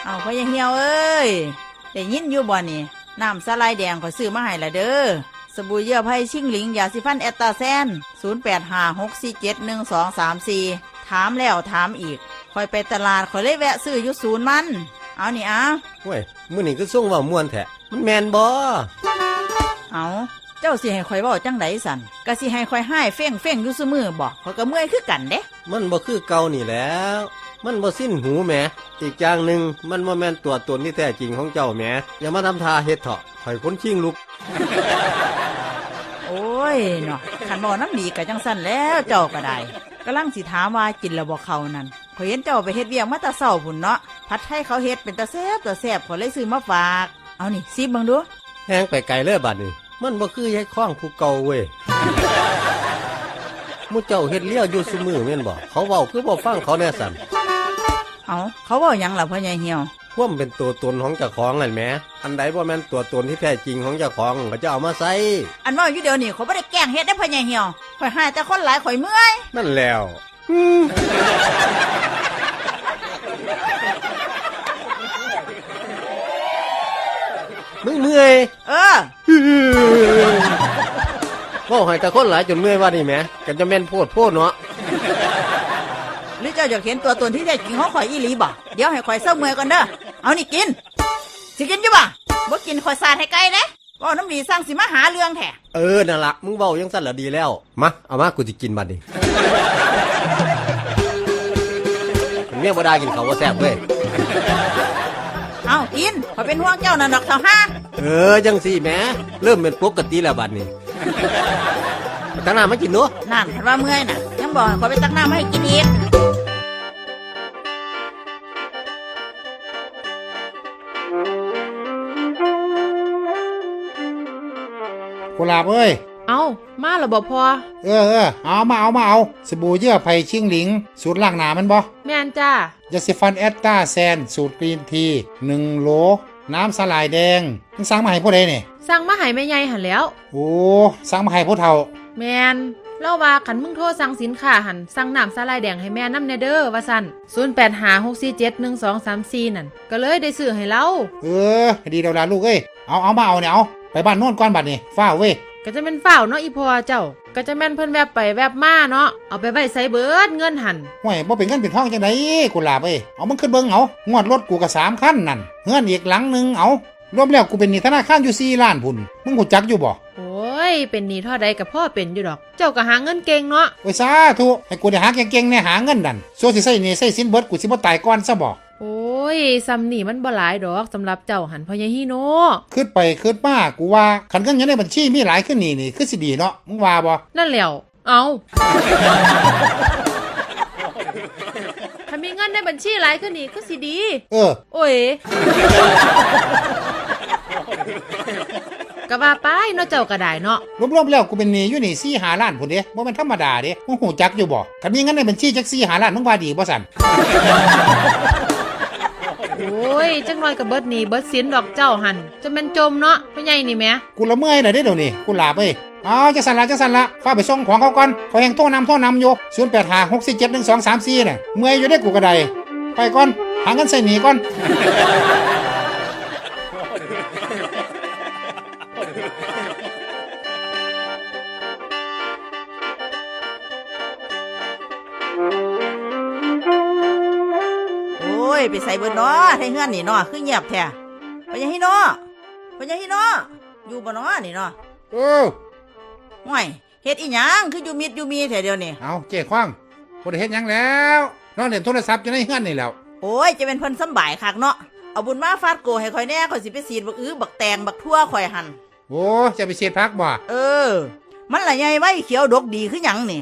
เอาพ่อยังเหี่ยวเอ้ยได้ยินอยู่บ่นี่น้ำสไลด์แดงขอยซื้อมาให้ละเด้อสบู่เยื่อไผ่ชิงหลิงยาสีฟันแอตตาแซน0856471234ถามแล้วถามอีกคอยไปตลาดคอยเลยแวะซื้ออยู่ศูนย์มันเอานี่อ่ะเว้ยมื้อนี้ก็ส่งเว้าม่วนแท้มันแม่นบ่เอาเจ้าสิให้คอยเว้าจังไดสั่นก็สิให้คอยให้เฟ้งอยู่ซุมื้อบ่ข้อยก็เมื่อยคือกันเด้มันบ่คือเก่านี่แหล้วมันบ่สิ้นหูแหมอีกอย่างหนึ่งมันบ่แม่นตัวตนที่แท้จริงของเจ้าแหมอย่ามาทำท่าเฮ็ดเถาะข่อยคนชิงลุกโอ้ยเนาะขันบ่น้ำดีก็จังสั่นแล้วเจ้าก็ได้กำลังสิถามว่ากินแล้วบ่เข้านั่นข่อยเห็นเจ้าไปเฮ็ดเวียงมาแต่เช้าพุ่นเนาะผัดไทยเขาเฮ็ดเป็นตาแซ่บข่อยเลยซื้อมาฝากเอานี่ซิเบิ่งดูแฮงไปไกลเลยบัดนี้มันบ่คือยายคล้องผู้เก่าเว้ยมู่เจ้าเฮ็ดเลี้ยวอยู่ซุมื้อแม่นบ่เขาเว้าคือบ่ฟังเขาแน่สั่นเอาเขาเว้าหยังล่ะพ่อใหญ่เหี่ยวความเป็นตัวตนของเจ้าของนั่นแหมอันใดบ่แม่นตัวตนที่แท้จริงของเจ้าของก็จะเอามาใส่อันว่าอยู่เดี๋ยวนี้เขาบ่ได้แกล้งเฮ็ดได้พ่อใหญ่เหี่ยวข่อยหายแต่คนหลายข่อยเมื่อยนั่นแล้วมึงเมื่อยเว้าให้แต่คนหลายจนเมื่อยว่านี่แหมก็จะแม่นโพดเนาะหรือเจ้าอยากเห็นตัวตนที่แท้จริงของข่อยอีหลีบ่เดี๋ยวให้ข่อยเศร้าเมื่อยก่อนเด้อเอานี่กินสิกินอยู่บ่บ่กินข่อยสาดให้ไกลเด้เว้าน้ำดีสร้างสิมาหาเรื่องแท้นั่นล่ะมึงเว้าจังซั่นล่ะดีแล้วมาเอามากูสิกินบัดนี้เมียบ่ได้กินข้าวบ่แซ่บเว้ยเอากินข่อยเป็นห่วงเจ้านั่นดอกเฒ่าห่าจังสิแหมเริ่มเป็นปกติแล้วบัดนี้ตักน้ำมากินเนาะนั่นคันว่าเมื่อยน่ะยังบอกข่อยไปตักน้ำให้กินอีกกุหลาบเอ้ยเอามาแล้วบ่พอเอามาสบู่เยื่อไผ่ชิงหลิงสูตรล้างหน้ามันบ่แม่นจ้ายาสีฟันแอตตาแซนสูตรกรีนที1 โหลน้ำสลายแดงมึงสั่งมาให้ผู้ใดนี่สั่งมาให้แม่ใหญ่หั่นแล้วโอ้สั่งมาให้ผู้เฒ่าแม่นเล่าว่าคันมึงโทรสั่งสินค้าหั่นสั่งน้ำสลายแดงให้แม่นำแน่เด้อว่าซั่น0856471234นั่นก็เลยได้ซื้อให้เราดีแล้วล่ะลูกเอ้ยเอามาเอาเนี่ยเอาไปบ้านโน่นก่อนบัดนี้ฟ้าเว้ยก็จะแม่นฝ้าวเนาะอีพ่อเจ้าก็จะแม่นเพิ่นแวบไปแวบมาเนาะเอาไปไว้ใส่เบิดเงินหั่นห่วยบ่เป็นเงินเป็นทองจังได๋กุหลาบเอ้ยเอามันขึ้นเบิ่งเอางวดรถกูก็3คันนั่นเฮือนอีกหลังนึงเอารวมแล้วกูเป็นหนี้ธนาคารอยู่4ล้านพุ่นมึงฮู้จักอยู่บ่โอ้ยเป็นหนี้เท่าใดก็พ่อเป็นอยู่ดอกเจ้าก็หาเงินเก่งเนาะโอ้ยสาธุให้กูได้หาเก่งๆแน่หาเงินนั่นโซสิใช้หนี้ใช้สินเบิดกูสิบ่ตายก่อนซะบ่โอ้ยซ้ำนี่มันบ่หลายดอกสำหรับเจ้าหันพ่อใหญ่ฮีโน่คิดไปคิดมากูว่าคันเงินอยู่ในบัญชีมีหลายขึ้นนี่คือสิดีเนาะมึงว่าบ่นั่นแล้วเอาถ้ามีเงินในบัญชีหลายขึ้นนี่คือสิดีโอ้ยก็ว่าไปเนาะเจ้าก็ได้เนาะรวมๆแล้วกูเป็นหนี้อยู่นี่4-5 ล้านพุ่นเด้บ่แม่นธรรมดาเด้มึงฮู้จักอยู่บ่คันมีเงินในบัญชีจัก4-5 ล้านมึงว่าดีบ่ซั่นโอ้ยจังน้อยก็เบิดหนี้เบิดสินดอกเจ้าหันจะแม่นจมเนาะพ่อใหญ่นี่แหมกูละเมื่อยน่ะเด้เดี๋ยวนี้กูลาเอ้ยจังสั่นละฟ้าไปส่งของเขาก่อนเขาแห่งโทรนำอยู่0856471234น่ะเมื่อยอยู่เด้กูก็ได้ไปก่อนหาเงินใส่หนี้ก่อนไปใส่เบิดเนาะให้เฮือนนี่เนาะคือเงียบแท้พ่อใหญ่ฮีโน่อยู่บ่เนาะนี่เนาะห่วยเฮ็ดอีหยังคืออยู่มิดอยู่มีแท้เดียวนี่เอาเจ๊ขว้างบ่ได้เฮ็ดหยังแล้วนอนเล่นโทรศัพท์อยู่ในเฮือนนี่แล้วโอ้ยจะเป็นเพิ่นสำบายคักเนาะเอาบุญมาฟาดโกให้ข่อยแน่ข่อยสิไปสีดบักแตงบักทั่วข่อยหั่นโอ้จะไปเสียดพักบ่มันละใหญ่ไว้เขียวดกดีคือหยังนี่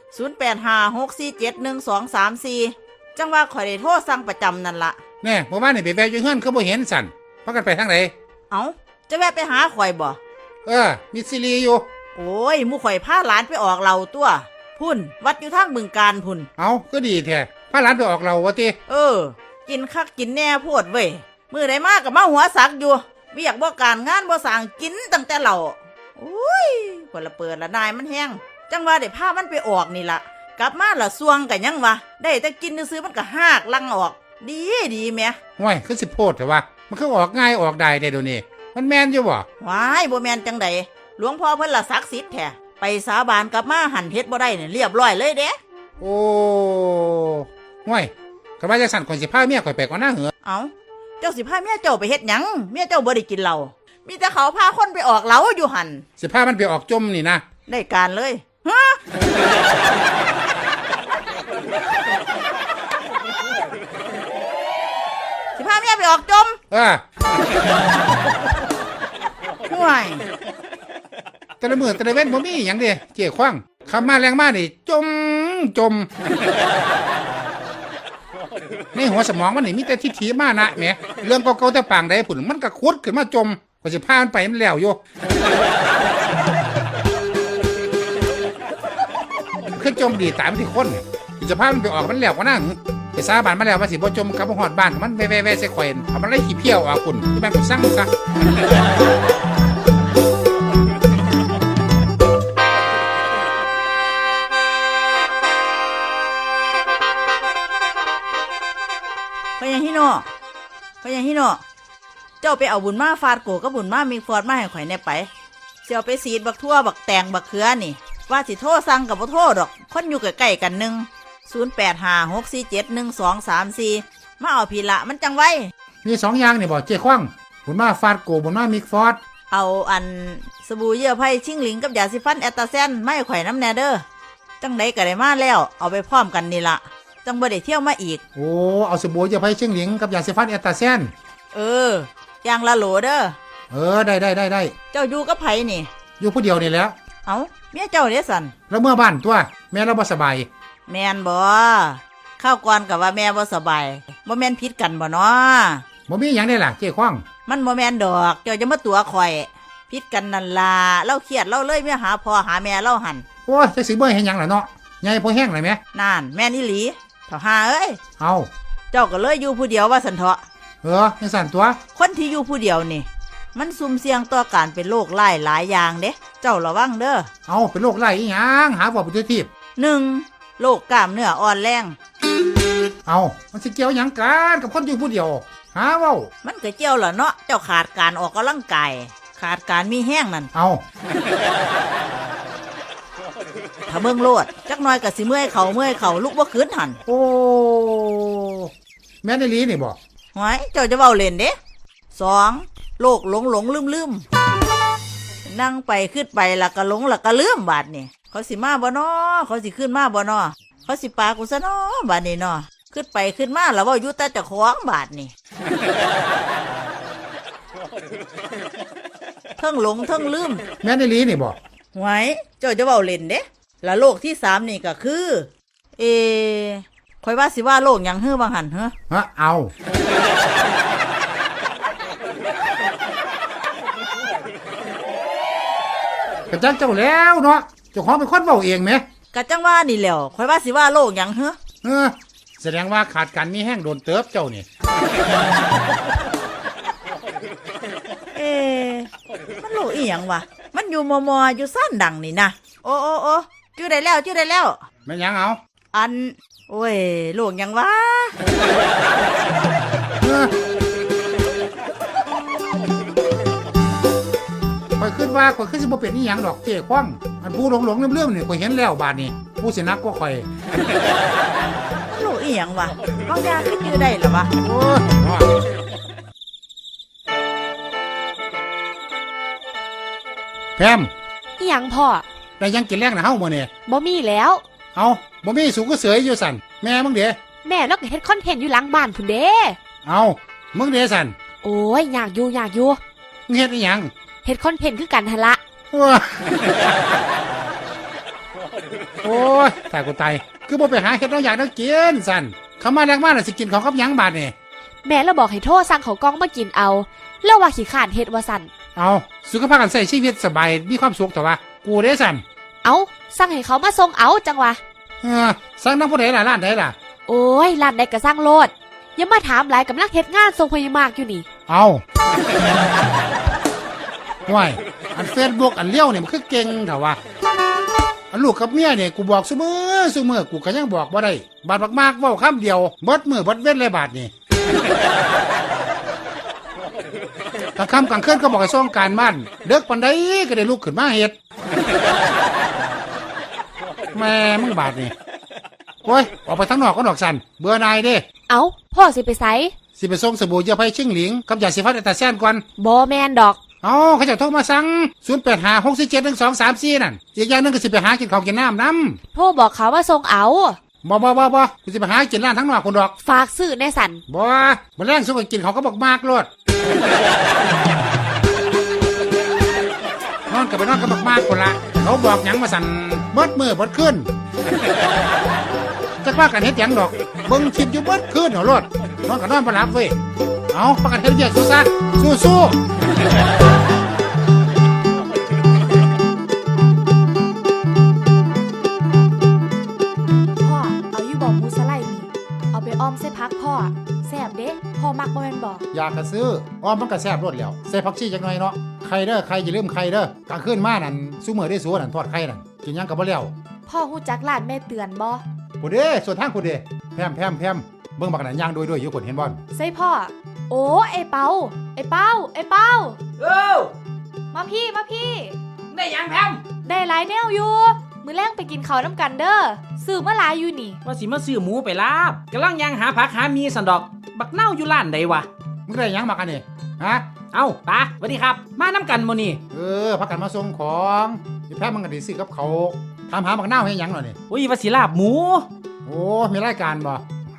0856471234จังว่าข่อยได้โทรสั่งประจำนั่นละแน่เมื่อวานนี่ไปแวะอยู่เฮือนคือบ่เห็นสั่นพากันไปทางไหนจะแวะไปหาข่อยบ่มีซีรีอยู่โอ้ยหมู่ข่อยพาหลานไปออกเหล้าตัวพุ่นวัดอยู่ทางบึงกาฬพุ่นก็ดีแท้พาหลานไปออกเหล้าวะติกินคักกินแน่โพดเว้ยมื้อใดมาก็มาหัวสักอยู่เวียกบ่การงานบ่สร้างกินตั้งแต่เหล้าโอ้ยคนละเปิดละนายมันแห้งจังว่าได้พามันไปออกนี่ล่ะกลับมาละซวงกันยังวะได้แต่กินซื้อมันก็หากลังออกดีดีแหม่ห่วยคือสิโพดแต่ว่ามันคือออกง่ายออกได้เดี๋ยวนี้มันแม่นอยู่บ่ว้ายบ่แม่นจังใดหลวงพ่อเพิ่นละศักดิ์สิทธิ์แท้ไปสาบานกลับมาหันเฮ็ดบ่ได้เนี่ยเรียบร้อยเลยเด้โอ้ห่วยก็ว่าจังสั่นคนสิพาเมียข่อยไปก่อนหน้าเหรอเอาเจ้าสิพาเมียเจ้าไปเฮ็ดหยังเมียเจ้าบ่ได้กินเหล้ามีแต่เขาพาคนไปออกเหล้าอยู่หันสิพามันไปออกจมนี่นะได้การเลยฮะสิพาเมียไปออกจม ห่วยแต่ละมือแต่ละเว้นบ่มีหยังเด้เจ๊คว้างคำมาแรงมานี่จมในหัวสมองมันนี่มีแต่ทิฏฐิมานะแหมเรื่องเก่าๆแต่ปางใดผุ่นมันก็คุดขึ้นมาจมก็สิพามันไปมันแล้วอยู่คือจมดีตามที่คนจะพามันไปออกมันแล้วก็นั่งไปสาบานมาแล้วว่าสิบ่จมกับบ่ฮอดบ้านมันแว่ๆๆใส่ข่อยเอามันไล่ขี้เพี้ยวออกพุ่นที่มันก็สั่งซะพญาฮิโนเจ้าไปเอาบุญมาฟาดโกกับบุญมามีฟอดมาให้ข่อยแน่ไปเสี่ยวไปสีดบักทั่วบักแตงบักเขือนี่ว่าสิโทรสั่งกับบ่โทรดอกคนอยู่ใกล้ๆกัน0856471234มาเอาพีละมันจังไว้มีสองอย่างนี่บ่เจ๊คว้างบุญมาฟาดโกบุญมามิกฟอดเอาอันสบู่เยื่อไผ่ชิงหลิงกับยาสีฟันแอตตาแซนไม่ข่อยน้ำแนเด้อจังไดก็ได้มาแล้วเอาไปพร้อมกันนี่ละจังบ่ได้เที่ยวมาอีกโอ้เอาสบู่จะไปเชียงหลิงกับยาสีฟันแอตตาแซนอย่างละโหลเด้อได้เจ้าอยู่กับไผนี่อยู่ผู้เดียวนี่แหล้วเอาเมียเจ้าเด้สันแล้วเมื่อบ้านตัวแม่เราบ่สบายแม่นบ่ข้าวก่อนกับว่าแม่บ่สบายบ่แม่นพิษกันบ่เนาะบ่มีหยังได้ล่ะเจ๊คว้างมันบ่แม่นดอกเจ้าจะมาตัวข่อยพิษกันนั่นล่ะเล่าเครียดเล่าเลยเมียหาพ่อหาแม่เล่าหันโอ้ยจะสิเบ่ให้หยังล่ะเนาะใหญ่พอแห้งเลยแหมนั่นแม่นอีหลีเถ่าหาเอ้ยเอาเจ้าก็เลยอยู่ผู้เดียวว่าสันเถาะจังสั่นตัวคนที่อยู่ผู้เดียวนี่มันซุ่มเสี่ยงต่อการเป็นโรคหลายอย่างเด้เจ้าระวังเด้อเอาเป็นโรคไร้อีหยังหาบ่เป็นทีบ 1. โรคกล้ามเนื้ออ่อนแรงเอามันสิเกี่ยวหยังกันกับคนอยู่ผู้เดียวหาเว้ามันก็เกี่ยวล่ะเนาะเจ้าขาดการออกกำลังกายขาดการมีแห้งนั่นเอาถ้าเบิ่งโลดจักหน่อยก็สิเมื่อยเข่าลุกบ่ขึ้นหั่นโอ้แม่นอีหลีนี่บ่หวยเจ้าจะเว้าเล่นเด้ 2. โรคหลงลืมนั่งไปขึ้นไปแล้วก็หลงแล้วก็ลืมบาดนี่เขาสิมาบ่น้อเขาสิขึ้นมาบ่น้อเขาสิปากูซะน้อบาดนี่น้อขึ้นไปขึ้นมาแล้วเว้าอยู่แต่เจ้าของบาดนี่ เทิงหลงเทิงลืมแม่นอีหลีนี่บ่หวยเจ้าจะเว้าเล่นเด้แล้วโรคที่3นี่ก็คือข่อยว่าสิว่าโรคหยังฮื้อบ่หั่นเฮ้อฮะเอากระจักเจ้าแล้วเนาะเจ้าของเป็นคนเว้าเองแหมกะจังว่านี่แหล้วข่อยว่าสิว่าโรคหยังเฮ้อแสดงว่าขาดการมีแห้งโดนเติบเจ้านี่มันโลอีหยังวะมันอยู่มออยู่ซ่านดังนี่นะโอ้จื้อได้แล้วแม่นหยังเอาอันโอ้ยโลกหยังวะข่อยคิดว่าข่อยคือสิบ่เป็นอีหยังดอกเจ๊คว้างอันผู้หลงเรื่องๆนี่ข่อยเห็นแล้วบาดนี้ผู้สินักกว่าข่อยโลกอีหยังวะบางอย่างก็จื้อได้เหรอวะโอ้ยแพมอิหยังพ่อได้ยังกินแรงนะเฮามื้อนี้บ่มีแล้วเอาบ่มีสูงก็เสยอยู่สั่นแม่มึงเด้แม่เราก็เฮ็ดคอนเทนต์อยู่หลังบ้านพุ่นเด้เอามึงเด้สั่นโอ้ยอยากอยู่มึงเฮ็ดอีหยังเฮ็ดคอนเทนต์คือกันหั่นละว้าโอ้ยตายกูตายคือบ่ไปหาเฮ็ดน้องอยากน้องกินสั่นเขามาแรงมากน่ะสิกินของกับหยังบาดนี่แม่เราบอกให้โทรสั่งเขาวกล้องมากินเอาแล้วว่าขี้ข้านเฮ็ดว่าสั่นเอาสุขภาพกันใส่ชีวิตสบายมีความสุขแต่ว่ากูเด้สั่นเอาสั่งให้เขามาส่งเอาจังวะสั่งน้ำผู้ใดล่ะร้านใดล่ะโอ้ยร้านใดก็สั่งโลดอย่ามาถามหลายกำลังเฮ็ดงานส่งพยามากอยู่นี่เอาห่วยอันเฟซบุ๊กอันเลี้ยวเนี่ยมันคือเก่งแต่ว่าอันลูกกับเมียเนี่ยกูบอกซุมื้อกูก็ยังบอกบ่ได้บาดมากๆเว้าคำเดียวเบิดมื้อเบิดเว้นเลยบาดนี่ กลางค่ำกลางคืนก็บอกให้ส่งการบ้านเด็กปันใดก็ได้ลุกขึ้นมาเฮ็ดแม่มึงบาดนี่โอ้ยออกไปทั้งนอกก็ดอกสันเบื่อนายเด้เอาพ่อสิไปไสสิไปส่งสบู่เยื่อไผ่ชิงหลิงกับยาสีฟันอัตราแซนก่อนบ่แม่นดอกเอาเขาจะโทรมาสั่ง0856471234นั่นอีกอย่างนึงก็สิไปหากินข้าวกินน้ำน้โทรบอกเขาว่าส่งเอาำบ่กูสิไปหากินร้านทั้งนอกคนดอกฝากซื้อในสันบ่มันแรงสุกกินเขาก็บอกมากโลดนอนกับไปนอนกับบอกมากคนละเขาบอกหยังมาสั่นเบิดมือเบิดขึ้นจักว่ากันเฮ็ดหยังดอกเบิ่งคลิปอยู่เบิดขึ้นเหรอโลดนอนกับนอนบ่หลับเว้ยเอาประกันเฮ็ดเวียกสู้ซะสู้พ่อเอาอยู่บอกมูสไลด์นี่เอาไปอ้อมใส่พักพ่อแซ่บเด้พ่อมักบ่แม่นบอกอยากกระซื้ออ้อมมันก็แซ่บรสแล้วใส่ผักชีจักหน่อยเนาะไข่เด้อไข่อย่าลืมไข่เด้อกลางคืนมานั่นซุมื้อได้สัวนั่นทอดไข่นั่นกินหยังก็บ่แล้วพ่อฮู้จักร้านแม่เตือนบ่ผู้เด้ส่วนทางผู้เด้แพมเบิ่งบักนั่นย่างด้วยอยู่คนเห็นบ่ใส่พ่อโอ้ไอ้เปามาพี่ได้ยังแพมได้หลายแนวอยู่มื้อแรงไปกินข้าวน้ำกันเด้อซื้อมาหลายอยู่นี่ว่าสิมาซื้อหมูไปลาบกำลังยังหาผักหามีสันดอก บักเน่าอยู่ร้านใดวะมึงได้หยังมากันนี่ฮะเอ้าป้าสวัสดีครับ มาน้ำกันโมนี่พักกันมาส่งของอีแพมมันก็ได้ซื้อกับเขาถามหาบักนาวให้หยังหน่อยนี่อุ้ยว่าสิลาบหมูโอ้มีรายการบ่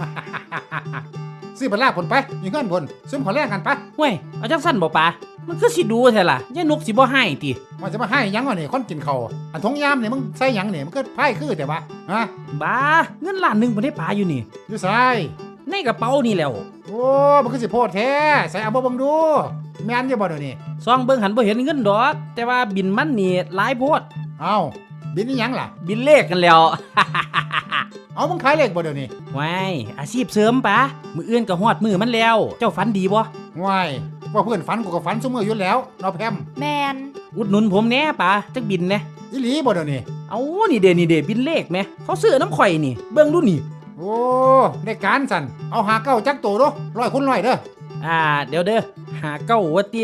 ซื้อไปลาบผลไปอยู่เงินผลซื้อขอแลกกันไปเว้ยเอาจังสั้นบ่ป้ามันคือสิดูแท้ล่ะยายนกสิบ่ให้ติมันจะมาให้หยังวะนี่คนกินเขาวอันทงยามนี่มึงใส่หยังนี่มันก็ไพ่คือแต่ว่าฮะบ้าเงินล้านหนึงบ่ได้ป้าอยู่นี่อยู่ใส่ในกระเป๋านี่แหล้วโอ้มันคือสิโพดแท้ใส่เอาบ่เบิ่งดูแม่นอยู่บ่เดี๋ยวนี้ซองเบิ่งหันบ่เห็นเงินดอก แต่ว่าบินมันนี่หลายโพดเอ้าบินนี่หยังล่ะบินเลขกันแล้วเอามึงขายเลขบ่เดี๋ยวนี้ว้ายอาชีพเสริมป้ามื้ออื่นก็ฮอดมื้อมันแล้ว เจ้าฝันดีบ่ว้ายว่าเพื่อนฝันกูก็ฝันซุมื้ออยู่แล้วเนาะแพมแมนอุดหนุนผมแหน่ป้าจักบินแหน่อีหลีบ่เดี๋ยวนี้เอานี่เด้บินเลขแหมเขาซื้อน้ำข่อยนี่ เบิ่งดูนี่โอ้ได้การสั่นเอาหาเก้าจักโตเด้อ100 คูณ 100เด้อเดี๋ยวเด้อหาเก้าวัติ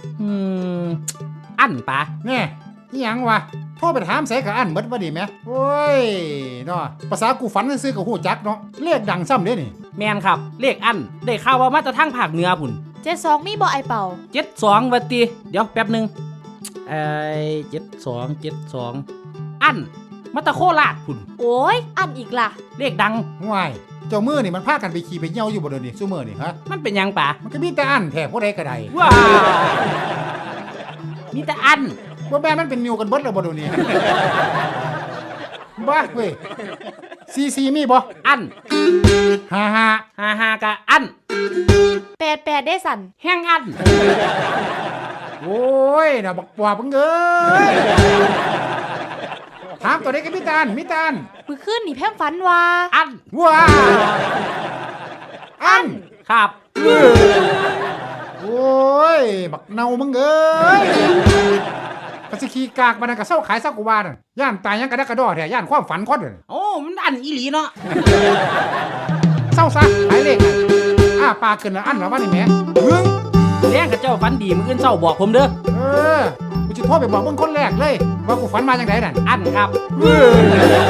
อันปะแน่นี่หยังวะโทรไปถามใส่กับอันเบิดบ่ดีแหมโอ้ยเนาะภาษากูฝันซื่อๆก็ฮู้จักเนาะเลขดังซ้ำเด้นี่แมนครับ เลขอันได้ข่าวว่ามาจากทางภาคเหนือพุ่น 72มีบ่ไอ้เปา 72วัติเดี๋ยวแป๊บหนึง72อันมาตะโคราชพุ่นโอ้ยอันอีกล่ะเลขดังว้ายเจ้ามือนี่มันพากันไปขี่ไปเหี่ยวอยู่บ่เดี๋ยวนี้ซุมื้อนี่ฮะมันเป็นหยังปะมันก็มีแต่อันแท้ผู้ใดก็ได้ว้ามีแต่อันบ่แม่นมันเป็นนิวกันเบิดแล้วบ่เดี๋ยวนี้ บ้าเว้ยซีมีบ่อัน 55 กะอัน 88ได้สันแห้งอันโอ้ยน่ะบักปอบมึงเอ้ยถามตัวนี้ก็มีแตาอันมื้อคืนนี่แพมฝันว่าอันว้าอันครับโอ้ยบักเนามึงเอ้ยกะสิขี้กากมันนก็เศร้าขายเศร้ากูว่านั่นย่านตายยังกระดักกระดอแท้ย่านความฝันคนนั่นโอ้มันอันอีหลีเนาะเศร้าซะขายเลขน่ะปากขึ้นแล้วอันแล้วว่านี่แหมมึงแรงกับเจ้าฝันดีมื้ออื่นเช้าบอกผมเด้อกูจะโทรไปบอกมึงคนแรกเลยว่ากูฝันมาจังไดนั่นอันครับเว้ย